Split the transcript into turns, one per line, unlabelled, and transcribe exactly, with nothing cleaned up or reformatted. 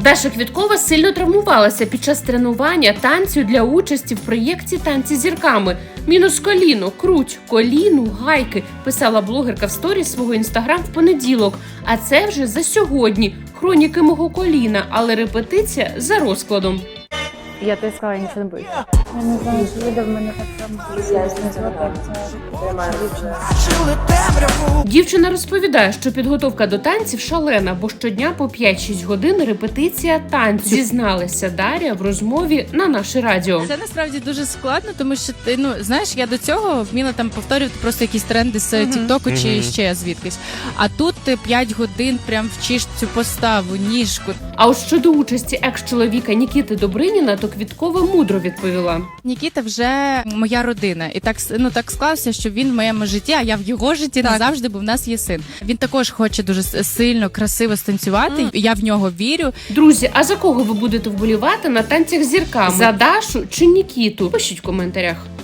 Даша Квіткова сильно травмувалася під час тренування танцю для участі в проєкті «Танці з зірками». Мінус коліно, круть, коліну, гайки, писала блогерка в сторіс свого інстаграм в понеділок. А це вже за сьогодні. Хроніки мого коліна, але репетиція за розкладом.
Я тобі сказала, я нічого не боюсь. Я не знаю, що буде в мене так само.
Дівчина розповідає, що підготовка до танців шалена, бо щодня по п'ять-шість годин репетиція танцю. Зізналася Дар'я в розмові на наше радіо.
Це насправді дуже складно, тому що ти, ну, знаєш, я до цього вміла там повторювати просто якісь тренди з uh-huh. Тіктоку чи uh-huh. ще звідкись. А тут ти п'ять годин прям вчиш цю поставу, ніжку.
А от щодо участі екс-чоловіка Нікіти Добриніна, то Квіткова мудро відповіла.
Нікіта вже моя родина. І так, ну, так склався, що він в моєму житті, а я в його житті так. назавжди, бо в нас є син. Він також хоче дуже сильно, красиво станцювати. Mm. Я в нього вірю.
Друзі, а за кого ви будете вболівати на танцях з зірками? За Дашу чи Нікіту? Пишіть в коментарях.